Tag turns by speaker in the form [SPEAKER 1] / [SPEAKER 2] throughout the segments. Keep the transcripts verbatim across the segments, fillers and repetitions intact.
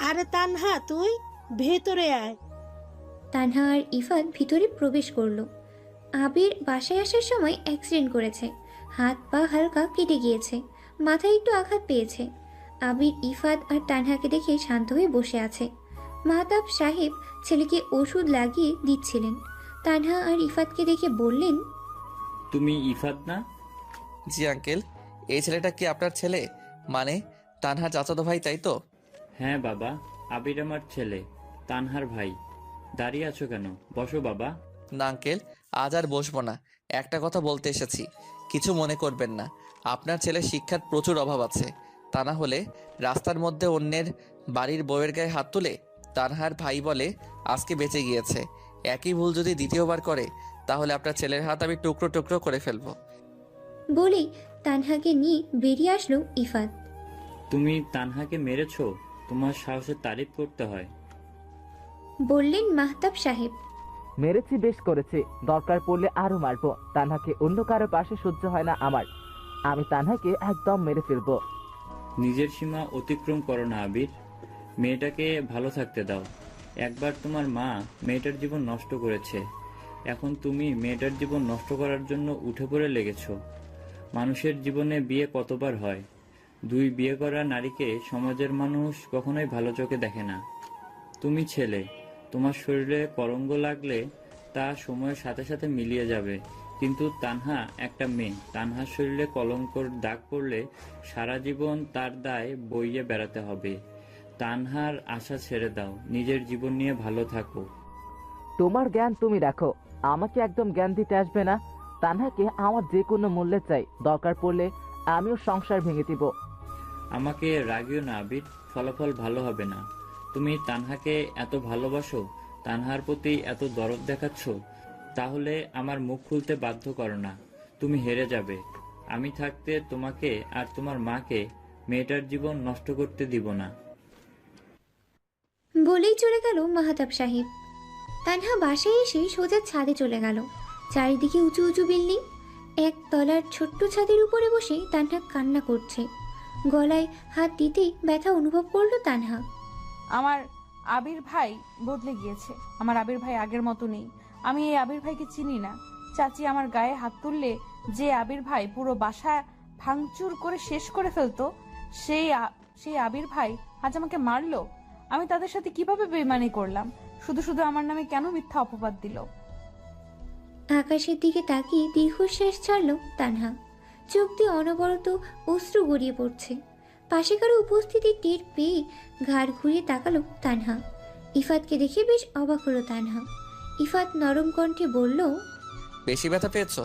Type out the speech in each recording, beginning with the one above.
[SPEAKER 1] আরে তানহা, তুই ভেতরে আয়।
[SPEAKER 2] তানহা আর ইফাত ভিতরে প্রবেশ করলো। আবির বাসায় আসার সময় অ্যাক্সিডেন্ট করেছে, হাত পা হালকা কেটে গিয়েছে, মাথায় একটু আঘাত পেয়েছে। আবির ইফাত আর তানহাকে দেখে শান্ত হয়ে বসে আছে। মাহতাব সাহেব ছেলেকে ওষুধ লাগিয়ে দিচ্ছিলেন। তানহা আর ইফাতকে দেখে বললেন,
[SPEAKER 3] তুমি ইফাত না?
[SPEAKER 4] জি আঙ্কেল, এই ছেলেটা কি আপনার ছেলে? মানে তানহা চাচাতো ভাই, তাই তো?
[SPEAKER 3] হ্যাঁ বাবা, আবির আমার ছেলে, তানহার ভাই। দাঁড়িয়ে আছো কেন? বসো বাবা।
[SPEAKER 4] না আঙ্কেল, আজ আর বসবো না, একটা কথা বলতে এসেছি, কিছু মনে করবেন না। আপনার ছেলের শিক্ষার প্রচুর অভাব আছে, তা না হলে রাস্তার মধ্যে অন্যের বাড়ির বউয়ের গায়ে হাত তুলে তানহার ভাই বলে আজকে বেঁচে গিয়েছে। একই ভুল যদি দ্বিতীয়বার করে তাহলে আপনার ছেলের হাত আমি টুকরো টুকরো করে ফেলবো।
[SPEAKER 2] বলেই তানহাকে নিয়ে বেরিয়ে আসলো ইফাত।
[SPEAKER 3] তুমি তানহাকে মেরেছো? তোমার সাহসের তারিফ করতে হয়।
[SPEAKER 2] বললেন মাহতাব সাহেব।
[SPEAKER 5] মেরেছি, বেশ করেছি, দরকার পড়লে আরো মারবো। তানহাকে অন্য কারো পাশে সহ্য হয় না আমার, আমি তানহাকে একদম মেরে ফেলবো।
[SPEAKER 3] নিজের সীমা অতিক্রম করো না আবির, মেয়েটাকে ভালো থাকতে দাও। একবার তোমার মা মেয়েটার জীবন নষ্ট করেছে, এখন তুমি মেয়েটার জীবন নষ্ট করার জন্য উঠে পড়ে লেগেছো। মানুষের জীবনে বিয়ে কতবার হয়, দুই বিয়ে করা নারীকে সমাজের মানুষ কখনোই ভালো চোখে দেখে না। তুমি ছেলে, তোমার শরীরে কলঙ্ক লাগলে তা সময়ের সাথে সাথে মিলিয়ে যাবে, কিন্তু তানহা একটা মেয়ে, তানহার শরীরে কলঙ্কর দাগ পড়লে সারা জীবন তার দায় বইয়ে বেড়াতে হবে। তানহার আশা ছেড়ে দাও, নিজের জীবন নিয়ে ভালো থাকো।
[SPEAKER 5] তোমার জ্ঞান তুমি রাখো, আমাকে একদম জ্ঞান দিতে আসবে না। তানহাকে আমার যে কোনো মূল্যে চাই, দরকার পড়লে আমিও সংসার ভেঙে দিব।
[SPEAKER 3] আমাকে রাগিও না আবির, ফলাফল ভালো হবে না। তুমি তানহাকে এত ভালোবাসো, তানহার প্রতি এত দরদ দেখাচ্ছ, তাহলে আমার মুখ খুলতে বাধ্য করো না। তুমি হেরে যাবে। আমি থাকতে তোমাকে আর তোমার মাকে মেয়েটার জীবন নষ্ট করতে দিব না।
[SPEAKER 2] বলেই চলে গেল মাহতাব সাহেব। তানহা বাসায় এসে সোজা ছাদে চলে গেল। চারিদিকে উঁচু উঁচু বিল্ডিং। এক তলার ছোট্ট ছাদের উপরে বসে তানহা কান্না করছে। গলায় হাত দিতেই ব্যথা অনুভব করলো তানহা।
[SPEAKER 6] আমার আবির ভাই বদলে গিয়েছে, আমার আবির ভাই আগের মতো নেই। আমি এই আবির ভাইকে চিনি না। চাচি আমার গায়ে হাত তুললে যে আবির ভাই পুরো বাসা ভাঙচুর করে শেষ করে ফেলতো, সেই সেই আবির ভাই আজ আমাকে মারলো। আমি তাদের সাথে কিভাবে বেইমানি করলাম? শুধু শুধু আমার নামে কেন মিথ্যা অপবাদ দিল?
[SPEAKER 2] আকাশের দিকে তাকিয়ে দীর্ঘশ্বাস ছাড়ল তানহা। চোখ দিয়ে অনবরত অশ্রু গড়িয়ে পড়ছে। পাশে কারো উপস্থিতি টের পেয়ে ঘাড় ঘুরিয়ে তাকালো তানহা। ইফাতকে দেখে বেশ অবাক হলো তানহা। ইফাত নরম কণ্ঠে বলল,
[SPEAKER 4] বেশি ব্যথা পেয়েছো?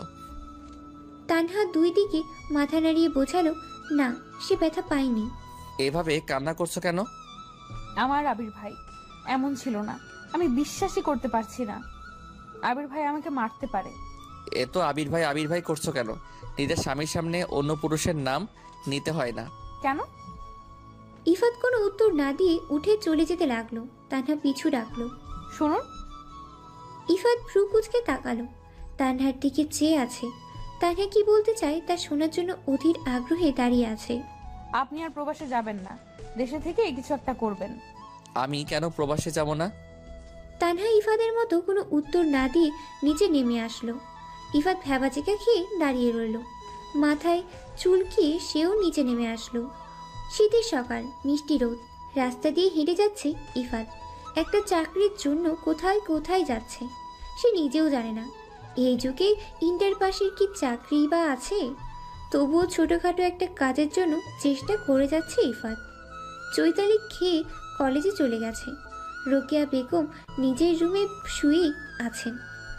[SPEAKER 2] তানহা দুই দিকে মাথা নাড়িয়ে বোঝালো, না, সে ব্যথা পায়নি।
[SPEAKER 4] এভাবে কান্না করছো কেন?
[SPEAKER 6] আমার আবির ভাই এমন ছিল না, আমি বিশ্বাসই করতে পারছি না। আবির ভাই আমাকে মারতে পারে।
[SPEAKER 4] এ তো আবির ভাই আবির ভাই করছো কেন? নিজের স্বামীর সামনে অন্য পুরুষের নাম নিতে হয় না।
[SPEAKER 6] কেন?
[SPEAKER 2] ইফাত কোনো উত্তর না দিয়ে উঠে চলে যেতে লাগলো। তানহা পিছু ডাকলো,
[SPEAKER 6] শুনুন।
[SPEAKER 2] ইফাত ভ্রু কুচকে তাকালো, তানহার দিকে চেয়ে আছে। তানহা কি বলতে চায় তা শোনার জন্য অধীর আগ্রহে দাঁড়িয়ে আছে।
[SPEAKER 6] আপনি আর প্রবাসে যাবেন না, দেশে থেকে কিছু একটা করবেন।
[SPEAKER 4] আমি কেন প্রবাসে যাব না?
[SPEAKER 2] তানহা ইফাদের মতো কোনো উত্তর না দিয়ে নিচে নেমে আসলো। ইফাত ভ্যাবাচিকা খেয়ে দাঁড়িয়ে রইল। মাথায় চুলকিয়ে সেও নিচে নেমে আসলো। শীতের সকাল, মিষ্টি রোদ, রাস্তা দিয়ে হেঁটে যাচ্ছে ইফাত। একটা চাকরির জন্য কোথায় কোথায় যাচ্ছে সে নিজেও জানে না। এই যুগে ইন্টার পাশের কি চাকরি বা আছে? তবুও ছোটোখাটো একটা কাজের জন্য চেষ্টা করে যাচ্ছে ইফাত। চৈতালি খেয়ে কলেজে চলে গেছে। রোকেয়া বেগম নিজের রুমে শুয়েই আছেন।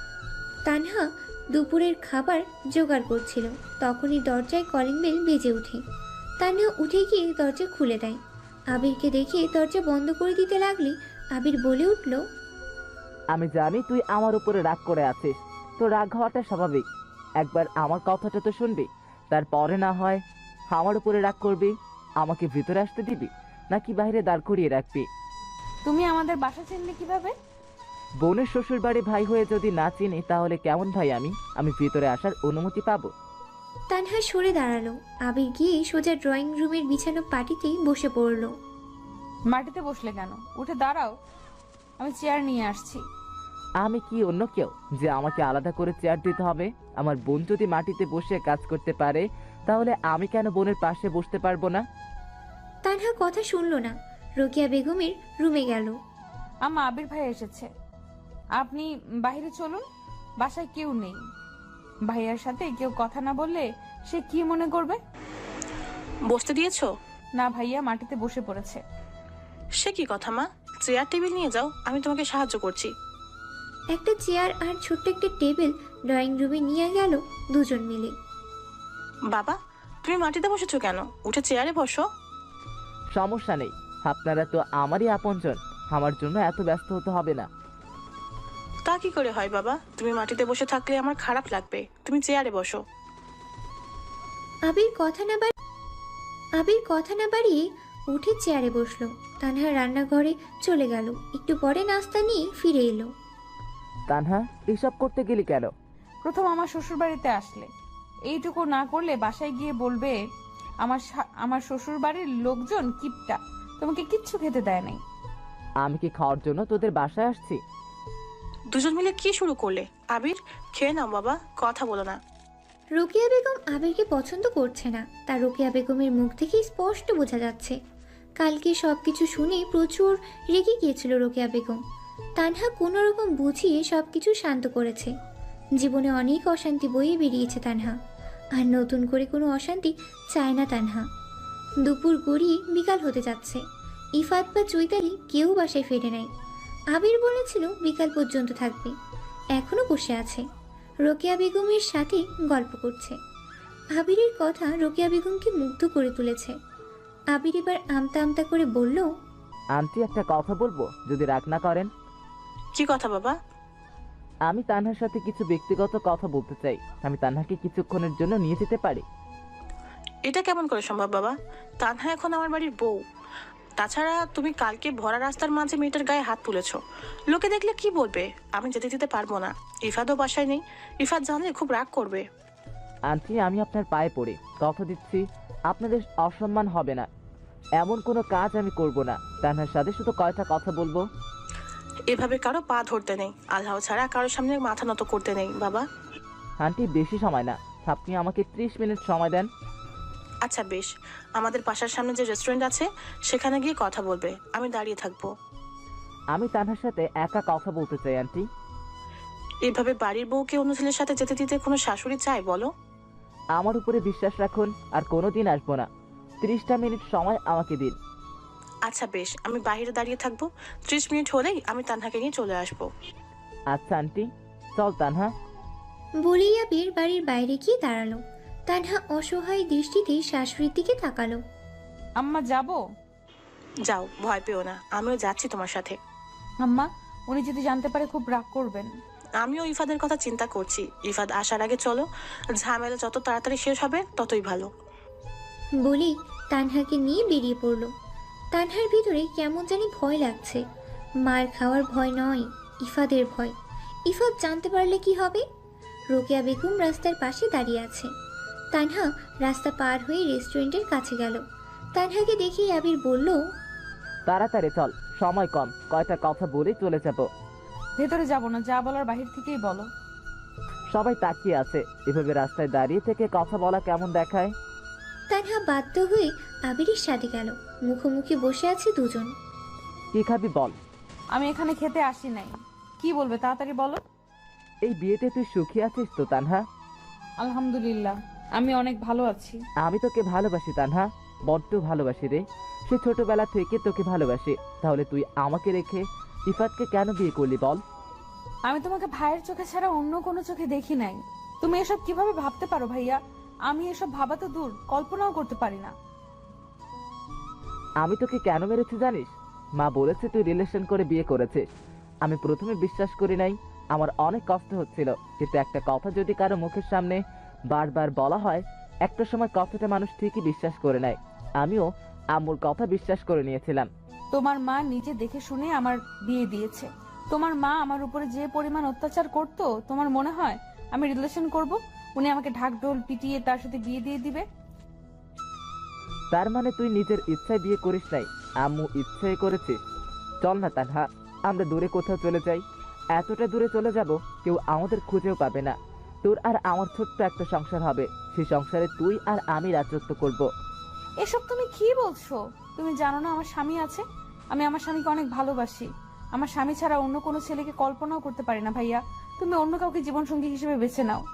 [SPEAKER 2] তানহা দুপুরের খাবার জোগাড় করছিল, তখনই দরজায় কলিং বেল বেজে ওঠে। তানহা উঠে গিয়ে দরজা খুলে দেয়। আবিরকে দেখে দরজা বন্ধ করে দিতে লাগলে আবির বলে উঠল,
[SPEAKER 5] আমি জানি তুই আমার উপরে রাগ করে আছিস, তো রাগ হওয়াটা স্বাভাবিক। একবার আমার কথাটা তো শুনবি, তারপরে না হয় আমার উপরে রাগ করবি। আমাকে ভিতরে আসতে দিবি নাকি বাইরে দাঁড় করিয়ে রাখবি?
[SPEAKER 6] তুমি আমাদের বাসা চিনলে কিভাবে?
[SPEAKER 5] বোনের শ্বশুর বাড়ি ভাই হয়ে যদি না চিনি তাহলে কেমন ভাই আমি? আমি ভিতরে আসার অনুমতি পাবো?
[SPEAKER 2] তানহা সরে দাঁড়ালো। আবির গিয়ে সোজা ড্রয়িং রুমের বিছানো পাটিতেই বসে পড়ল।
[SPEAKER 6] মাটিতে বসলে কেন? উঠে দাঁড়াও, আমি চেয়ার নিয়ে আসছি।
[SPEAKER 5] আমি কি অন্য কেউ যে আমাকে আলাদা করে চেয়ার দিতে হবে? আমার বোন যদি মাটিতে বসে কাজ করতে পারে, তাহলে আমি কেন বোনের পাশে বসতে পারবো না?
[SPEAKER 2] তানহা কথা শুনল না, রোকেয়া বেগমের রুমে গেল।
[SPEAKER 6] আম্মা, আবির ভাই এসেছে, আপনি বাইরে চলুন, বাসায় কেউ নেই। ভাইয়ার সাথে কেউ কথা না বললে সে কি মনে করবে?
[SPEAKER 7] বসতে দিয়েছো?
[SPEAKER 6] না ভাইয়া মাটিতে বসে পড়েছে।
[SPEAKER 7] সে কি কথা মা? চেয়ার টেবিল নিয়ে যাও, আমি তোমাকে সাহায্য করছি।
[SPEAKER 2] একটা চেয়ার আর ছোট্ট একটা টেবিল ড্রয়িং রুমে নিয়ে গেল দুজন মিলে।
[SPEAKER 7] বাবা, তুমি মাটিতে বসেছো কেন? উঠে চেয়ারে বসো।
[SPEAKER 5] সমস্যা নেই, আপনারা তো আমারই আপনজন, আমার জন্য এত ব্যস্ত হতে হবে না।
[SPEAKER 7] তা কি করে হয় বাবা? তুমি মাটিতে বসে থাকলে আমার খারাপ লাগবে, তুমি চেয়ারে বসো।
[SPEAKER 2] আবির কথা না বাড়ি আবির কথা না বাড়িয়ে উঠে চেয়ারে বসলো। তানহা রান্নাঘরে চলে গেল, একটু পরে নাস্তা নিয়ে ফিরে এলো।
[SPEAKER 5] তানহা, এসব করতে গেলি কেন?
[SPEAKER 6] প্রথম আমার শ্বশুর বাড়িতে আসলে এইটুকু না করলে বাসায় গিয়ে বলবে আমার শা- আমার শ্বশুর বাড়ির লোকজন কিপটা, তোমাকে কিচ্ছু খেতে দেয় নাই।
[SPEAKER 5] আমি কি খাওয়ার জন্য তোদের বাসায় আসছি?
[SPEAKER 7] দুজন মিলে কি শুরু করলে? আবির, খেয়ে নাও বাবা, কথা বলো না।
[SPEAKER 2] রোকেয়া বেগম আবিরকে পছন্দ করছে না, তার রোকেয়া বেগমের মুখ থেকে স্পষ্ট বোঝা যাচ্ছে। কালকে সবকিছু শুনে প্রচুর রেগে গিয়েছিল রোকেয়া বেগম। তানহা কোনো রকম বুঝিয়ে সবকিছু শান্ত করেছে। জীবনে অনেক অশান্তি বয়ে বেরিয়েছে তানহা, আর নতুন করে কোনো অশান্তি চায় না তানহা। দুপুর গড়িয়ে বিকাল হতে যাচ্ছে, ইফাত বা চৈতালি কেউ বাসায় ফেরে নাই। আবির বলেছিল বিকাল পর্যন্ত থাকবে, এখনো বসে আছে, রোকেয়া বেগমের সাথে গল্প করছে। আবিরের কথা রোকেয়া বেগমকে মুগ্ধ করে তুলেছে। আবির এবার আমতা আমতা করে বলল,
[SPEAKER 5] আন্টি, একটা কথা বলবো যদি রাগ না করেন?
[SPEAKER 7] কি কথা বাবা?
[SPEAKER 5] আমি তানহার সাথে কিছু ব্যক্তিগত কথা বলতে চাই। আমি তানহাকে কিছুক্ষণের জন্য নিয়ে যেতে পারি?
[SPEAKER 7] এটা কেমন করে সম্ভব বাবা? তানহা এখন আমার বাড়ির বউ। তাছাড়া তুমি কালকে ভরা রাস্তার মাঝে মেয়েটার গায়ে হাত তুলেছো, লোকে দেখলে কি বলবে? আমি যেতে দিতে পারবো না। ইফাতও বাসায় নেই, ইফাত জানলে খুব রাগ করবে।
[SPEAKER 5] আন্টি, আমি আপনার পায়ে পড়ি, কথা দিচ্ছি আপনাদের অসম্মান হবে না। এমন কোনো কাজ আমি করব না। তানহার সাথে শুধু কয়টা কথা বলবো।
[SPEAKER 7] এভাবে কারো পা ধরতে নেই, আল্লাহ ছাড়া কারোর সামনে মাথা নত করতে নেই বাবা।
[SPEAKER 5] আন্টি, বেশি সময় না, আপনি আমাকে ত্রিশ মিনিট সময় দেন।
[SPEAKER 7] আচ্ছা বেশ, আমাদের বাসার সামনে যে রেস্টুরেন্ট আছে সেখানে গিয়ে কথা বলবে, আমি দাঁড়িয়ে থাকবো।
[SPEAKER 5] আমি তানহার সাথে একা কথা বলতে চাই আন্টি।
[SPEAKER 7] এভাবে বাড়ির বউকে অন্য ছেলের সাথে যেতে দিতে কোনো শাশুড়ি চায় বলো?
[SPEAKER 5] আমার উপরে বিশ্বাস রাখুন, আর কোনো দিন আসবো না। ত্রিশটা মিনিট সময় আমাকে দিন।
[SPEAKER 7] আচ্ছা বেশ, আমি বাইরে দাঁড়িয়ে থাকবো, ত্রিশ মিনিট হলেই আমি তানহাকে নিয়ে চলে আসবো।
[SPEAKER 5] আচ্ছা আন্টি, চল তানহা।
[SPEAKER 2] বলেই আবির বাড়ির বাইরে গিয়ে দাঁড়ালো। তানহা অসহায় দৃষ্টিতে শাশুড়ির দিকে তাকালো।
[SPEAKER 6] আম্মা, যাব?
[SPEAKER 7] যাও, ভয় পেও না, আমিও যাচ্ছি তোমার সাথে।
[SPEAKER 6] আম্মা, উনি যদি জানতে পারে খুব রাগ করবেন।
[SPEAKER 7] আমিও ইফাদের কথা চিন্তা করছি। ইফাদ আসার আগে চলো, ঝামেলা যত তাড়াতাড়ি শেষ হবে ততই ভালো।
[SPEAKER 2] বলেই তানহাকে নিয়ে বেরিয়ে পড়লো। তানহার ভিতরে কেমন জানি ভয় লাগছে। মার খাওয়ার ভয় নয়, ইফাদের ভয়। ইফাদ জানতে পারলে কি হবে? রোকেয়া বেগম রাস্তার পাশে দাঁড়িয়ে আছে। তানহা রাস্তা পার হয়ে রেস্টুরেন্টের কাছে গেল। তানহাকে দেখেই আবির বলল,
[SPEAKER 5] তাড়াতাড়ি চল, সময় কম, কয়টা কথা বলে চলে যাব।
[SPEAKER 6] ভেতরে যাব না, যা বলার বাহির থেকেই বলো।
[SPEAKER 5] সবাই তাকিয়ে আছে, এভাবে রাস্তায় দাঁড়িয়ে থেকে কথা বলা কেমন দেখায়?
[SPEAKER 2] তানহা বাধ্য হয়ে আবিরের সাথে গেল। মুখোমুখি বসে আছে দুজন।
[SPEAKER 5] কি খাবি বল?
[SPEAKER 6] আমি এখানে খেতে আসি নাই। কি বলবে তাড়াতাড়ি বলো।
[SPEAKER 5] এই বিয়েতে তুই সুখী আছিস তো তানহা?
[SPEAKER 6] আলহামদুলিল্লাহ, আমি অনেক ভালো আছি।
[SPEAKER 5] আমি তোকে ভালোবাসি তানহা, বড্ড ভালোবাসি রে। সে ছোটবেলা থেকে তোকে ভালোবাসি। তাহলে তুই আমাকে রেখে ইফাতকে কেন বিয়ে করলি বল?
[SPEAKER 6] আমি তোমাকে ভাইয়ের চোখে ছাড়া অন্য কোনো চোখে দেখি নাই। তুমি এসব কিভাবে ভাবতে পারো ভাইয়া? আমি এসব ভাবা তো দূর, কল্পনাও করতে পারি না।
[SPEAKER 5] আমি তোকে কেন মেরেছি জানিস? মা বলেছে তুই রিলেশন করে বিয়ে করেছিস। আমি প্রথমে বিশ্বাস করি নাই, আমার অনেক কষ্ট হচ্ছিল। কিন্তু একটা কথা যদি কারো মুখের সামনে বারবার বলা হয়, একটা সময় কথাটা মানুষ ঠিকই বিশ্বাস করে নেয়। আমিও আম্মুর কথা বিশ্বাস করে নিয়েছিলাম।
[SPEAKER 6] তোমার মা নিজে দেখে শুনে আমার বিয়ে দিয়েছে। তোমার মা আমার উপরে যে পরিমাণ অত্যাচার করতো, তোমার মনে হয় আমি রিলেশন করব? উনি আমাকে ঢাকঢোল পিটিয়ে তার সাথে বিয়ে দিয়ে দিবে?
[SPEAKER 5] তার মানে তুই নিজের ইচ্ছায় বিয়ে করিস নাই, আম্মু ইচ্ছে করেছে। চল না তানহা, আমরা দূরে কোথাও চলে যাই। এতটা দূরে চলে যাব কেউ আমাদের খুঁজেও পাবে না। তোর আর আমার ছোট্ট একটা সংসার হবে, সেই সংসারে তুই আর আমি রাজত্ব করব।
[SPEAKER 6] এসব তুমি কি বলছো? তুমি জানো না আমার স্বামী আছে? আমি আমার স্বামীকে অনেক ভালোবাসি। আমার স্বামী ছাড়া অন্য কোনো ছেলেকে কল্পনাও করতে পারি না ভাইয়া। তুমি অন্য কাউকে জীবনসঙ্গী হিসেবে বেছে নাও।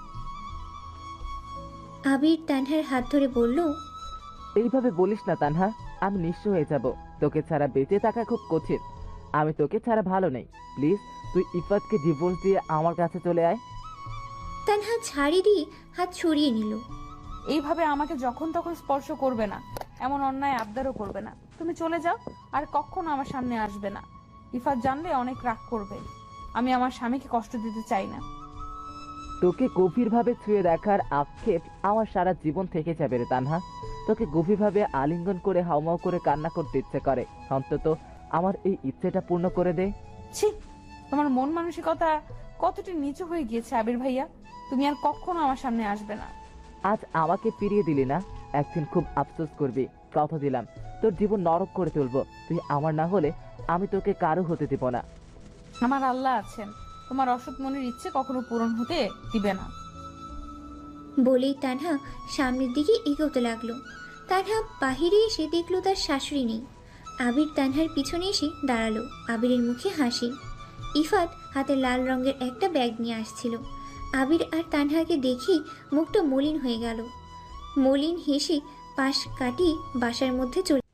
[SPEAKER 2] আবির তানহার হাত ধরে বলল,
[SPEAKER 5] এইভাবে বলিস না তানহা, আমি নিঃস্ব হয়ে যাব। তোকে ছাড়া বেঁচে থাকা খুব কঠিন। আমি তোকে ছাড়া ভালো নেই। প্লিজ তুই ইফাতকে ডিভোর্স দিয়ে আমার কাছে চলে আয়।
[SPEAKER 2] তানহা ছাড়ি দিয়ে হাত সরিয়ে নিল।
[SPEAKER 6] এইভাবে আমাকে যখন তখন স্পর্শ করবে না, এমন অন্যায় আবদারও করবে না। তুমি চলে যাও, আর কখনো আমার সামনে আসবে না। ইফাত জানলে অনেক রাগ করবে। আমি আমার স্বামীকে কষ্ট দিতে চাই না।
[SPEAKER 5] তোকে গভীরভাবে ছুঁয়ে দেখার আক্ষেপ আমার সারা জীবন থেকে যাবে রে তানহা। তোকে গভীরভাবে আলিঙ্গন করে হাউমাউ করে কান্না করতে ইচ্ছে করে। অন্তত আমার এই ইচ্ছেটা পূর্ণ করে দে।
[SPEAKER 6] ছি, তোমার মন মানসিকতা কতটি নিচু হয়ে গিয়েছে আবির ভাইয়া। তুমি আর কখনো আমার সামনে আসবে না।
[SPEAKER 5] আজ আমাকে ফিরিয়ে দিলি না, একদিন খুব আফসোস করবি। কথা দিলাম তোর জীবন নরক করে তুলবো। তুই আমার না হলে আমি তোকে কারো হতে দিব না।
[SPEAKER 6] আমার আল্লাহ আছেন, তোমার অসৎ মনের ইচ্ছে কখনো পূরণ হতে দিবে না।
[SPEAKER 2] বলেই তানহা সামনের দিকে এগোতে লাগলো। তানহা বাহিরে এসে দেখলো তার শাশুড়ি নেই। আবির তানহার পিছনে এসে দাঁড়ালো। আবিরের মুখে হাসি। ইফাত হাতে লাল রঙের একটা ব্যাগ নিয়ে আসছিল। আবির আর তানহাকে দেখি মুখটা মলিন হয়ে গেল। মলিন হেসে পাশ কাটিয়ে বাসার মধ্যে চলে